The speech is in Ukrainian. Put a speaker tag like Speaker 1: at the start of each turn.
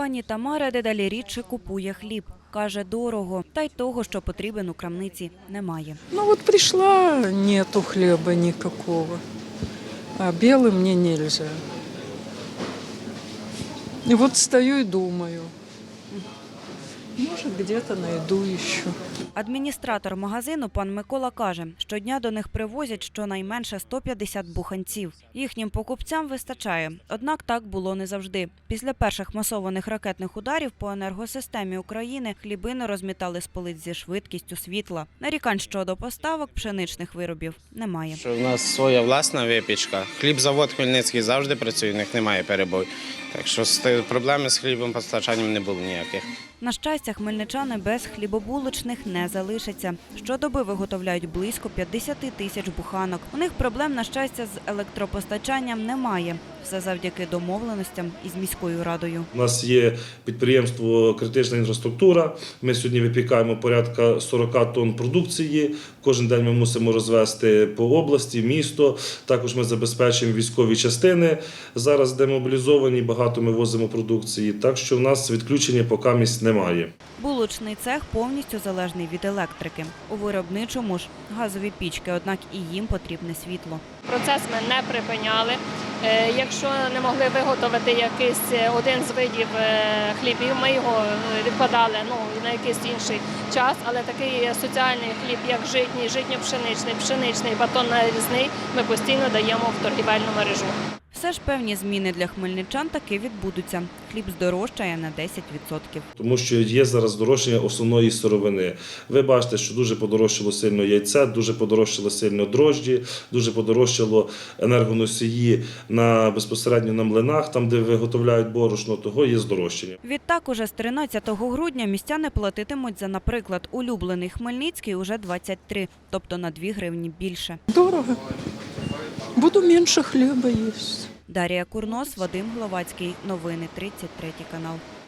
Speaker 1: Пані Тамара дедалі рідше купує хліб. Каже, дорого, та й того, що потрібен у крамниці, немає.
Speaker 2: Ну вот пришла, нету хлеба никакого, а белый мне нельзя. И вот стою и думаю, может где-то найду еще.
Speaker 1: Адміністратор магазину пан Микола каже, щодня до них привозять щонайменше 150 буханців. Їхнім покупцям вистачає. Однак так було не завжди. Після перших масованих ракетних ударів по енергосистемі України хлібини розмітали з полиць зі швидкістю світла. Нарікань щодо поставок пшеничних виробів немає.
Speaker 3: У нас своя власна випічка. Хлібзавод Хмельницький завжди працює, у них немає перебою. Так що проблеми з хлібом постачанням не було ніяких.
Speaker 1: На щастя, хмельничани без хлібобулочних не залишаться. Щодоби виготовляють близько 50 тисяч буханок. У них проблем, на щастя, з електропостачанням немає. Все завдяки домовленостям із міською радою.
Speaker 4: У нас є підприємство «Критична інфраструктура». Ми сьогодні випікаємо порядка 40 тонн продукції. Кожен день ми мусимо розвезти по області, місто. Також ми забезпечуємо військові частини. Зараз демобілізовані, багато ми возимо продукції. Так що в нас відключення поки місць немає.
Speaker 1: Булочний цех повністю залежний від електрики. У виробничому ж газові пічки, однак і їм потрібне світло.
Speaker 5: Процес ми не припиняли. Якщо не могли виготовити якийсь один з видів хлібів, ми його відкладали на якийсь інший час, але такий соціальний хліб, як житній, житньо-пшеничний, пшеничний, батонно-нарізний, ми постійно даємо в торгівельну мережу.
Speaker 1: Все ж певні зміни для хмельничан таки відбудуться. Хліб здорожчає на 10%.
Speaker 4: Тому що є зараз здорожчання основної сировини. Ви бачите, що дуже подорожчало сильно яйце, дуже подорожчало сильно дрожджі, дуже подорожчало енергоносії безпосередньо на млинах, там, де виготовляють борошно, того є здорожчання.
Speaker 1: Відтак, уже з 13 грудня містяни платитимуть за, наприклад, улюблений Хмельницький уже 23, тобто на 2 гривні більше.
Speaker 2: Дорого. Буду меньше хлеба есть.
Speaker 1: Дар'я Курнос, Вадим Гловацький. Новини 33 канал.